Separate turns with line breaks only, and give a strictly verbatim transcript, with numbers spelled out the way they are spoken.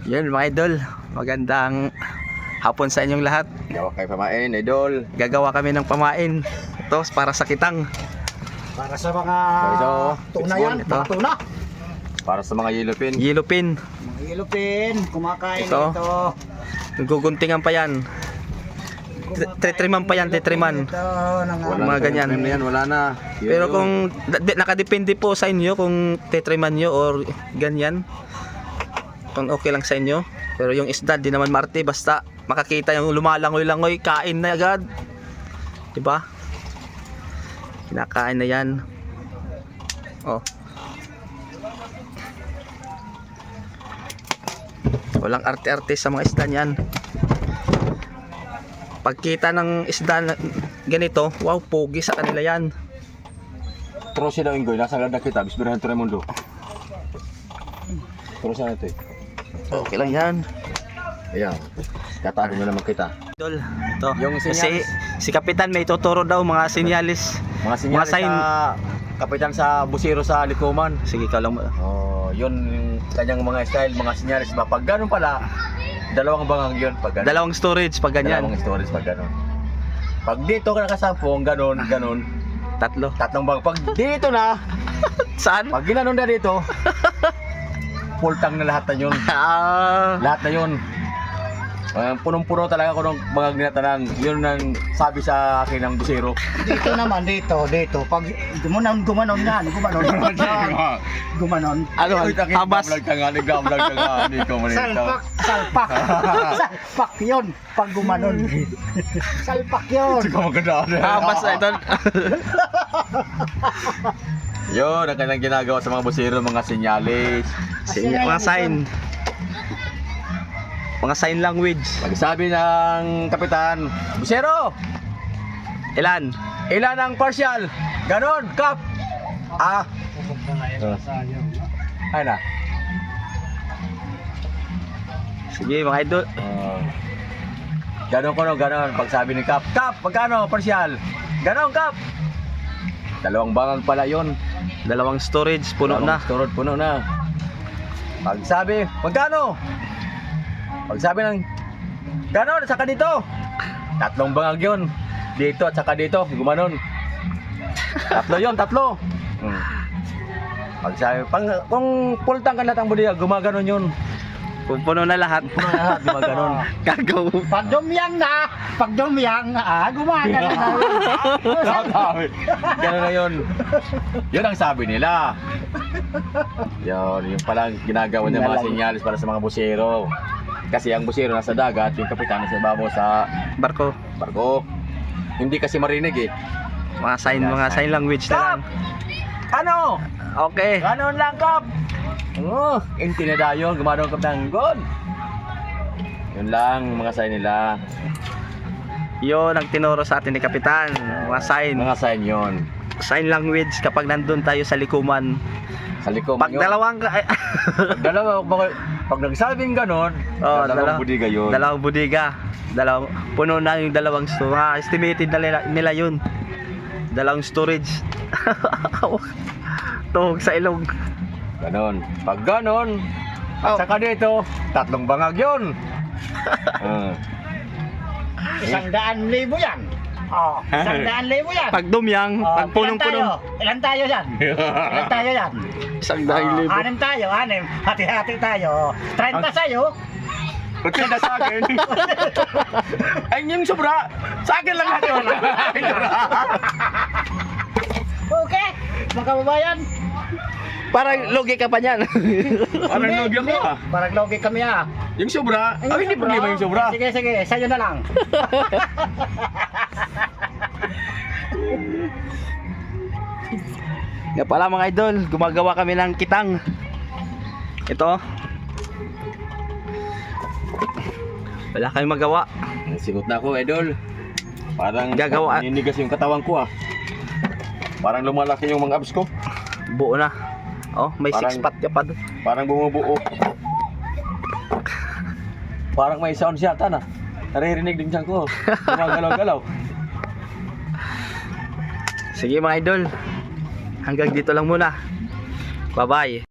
Yun mga idol, magandang hapon sa inyong lahat.
Gawa kayo pamain, idol.
Gagawa kami ng pamain. Ito para sa kitang.
Para sa mga
Ito,
tuna
it's
yan,
one, ito.
mga tuna.
Para sa mga yellow pin.
Yellow pin.
Mga ilupin, kumakain
Ito.
ito.
Guguntingan pa yan. Tetriman pa yan, tetriman.
Ito, nang,
Wala mga ganyan.
Na yan, wala na. Yun
Pero
yun.
kung d- nakadepende po sa inyo kung tetriman nyo or ganyan. Kung okay lang sa inyo. Pero yung isda di naman marte, basta makakita yung lumalangoy-langoy, kain na agad. Diba? Kinakain na yan. Oh. Walang arte-arte sa mga isda niyan. Pagkita ng isda na ganito, wow, pogi sa kanila yan.
Pero sila inggoy, nasa ganda kita, bisbirahan to Raimundo. Pero saan ito eh?
Okay lang yan.
Ayan, katago na naman kita.
Idol, ito.
Yung
Kasi
sinyalis.
si Kapitan may tuturo daw mga sinyalis.
Mga sinyalis
sign.
sa kapitan sa busiro sa Likuman.
Sige, ikaw lang mo.
Oh, yun yung kanyang mga style, mga sinyalis ba? Pag ganun pala, dalawang bangang yun pag ganun.
Dalawang storage pag ganyan.
Dalawang storage pag ganun. Pag dito ka nakasampung, ganun, ganun,
Tatlo.
tatlong bang. Pag dito na,
Saan?
pag ginanon na dito, full tank na lahat na yun.
Ah,
Lahat na yun. Uh, punong-puno talaga ako ng mga ginatanan. Yun ang sabi sa akin ng busero.
dito naman, dito, dito. Pag gumanon, gumanon yan, gumanon. gumanon.
ano, habas.
Nag-vlog ka nga, nag-vlog ka nga. Hindi ko manito.
Salpak, salpak. Salpak yun, pag gumanon. Salpak yun.
Hindi ko maganda.
Habas na ito.
Yun, ang kanilang ginagawa sa mga busero, mga sinyalis.
Sinya, mga sign. Mga sign language.
Pagsabi ng kapitan, busero,
Ilan?
ilan ang partial? Ganon, kap. Ah. Ay na.
Sige mga idol.
Uh, ganon ko no, ganon. Pagsabi ni Kap, Kap, magkano partial? Ganon, Kap. Dalawang bangang pala yun.
Dalawang storage, puno na.
Turod, puno na. Pagsabi, magkano? Pagsabi ng, ganon, saka dito. Tatlong bangag yun. Dito at saka dito, gumanon. Tatlo yun, tatlo. Hmm. Pagsabi, pang, kung full tank ka lahat ang budiya, gumaganon yun.
Kung puno na lahat.
Puno na lahat, gumaganon.
Gagaw.
Pag dumyang na, pag dumyang, ah, gumagano na.
Sabi, gano'n na yun. Yun ang sabi nila. Yun, yung palang ginagawa ng mga sinyalis para sa mga busero. Kasi ang busero nasa dagat, yung kapitan nasa ibabaw sa
Barko.
barko. Hindi kasi marinig eh.
Mga sign, mga sign language na lang.
Ano?
Okay.
Ganon lang, Kap. Oh, intinida yun. Gumadong Kap ng good. Yun lang, mga sign nila.
Yun ang tinuro sa atin ni Kapitan. Mga sign.
Mga sign yun.
Sign language kapag nandun tayo sa likuman.
Sa likom
Pag
yun.
dalawang ka-
Pag dalawa, pag, pag nagsabing ganon,
Oh,
dalawang
dalaw-
budiga yun.
Dalawang budiga. Dalawang puno na yung dalawang store. Mga estimated na nila, nila yun. Dalawang storage. Tuhog sa ilong.
Ganon. Pag ganon, at
Oh.
saka dito, tatlong bangag yun. uh,
Isang daan libo yan. Oh, isang daan libo yan.
Pag dumyang,
Oh,
pag punong-puno.
Ilan tayo? Ilan tayo yan? Ilan tayo yan?
Isang
Oh,
dahil libo.
anim tayo, anim. Hati-hati tayo. trenta sa'yo.
Ba't na sa akin? Ay, yung sobra, sa akin lang natin wala.
Okay, mga kababayan.
Parang logi ka pa niyan.
Parang
Hindi,
logi ako
hindi.
ah.
Parang logi kami ah.
Yung sobra, ay hindi problema yung sobra.
Sige, sige, sa'yo na lang.
Nga pala mga idol, gumagawa kami ng kitang. Ito. Wala kami magawa.
Sigot na ako, idol. Parang
Gagawa.
ninigas yung katawan ko ah. Parang lumalaki yung mga abs ko.
Buo na. Oh, may
Parang-
six pack ka pa doon.
Parang bumubuo. Parang may sound siya, na. Naririnig din siya ko. Gumagalaw-galaw.
Sige mga idol. Hanggang dito lang muna. Bye-bye.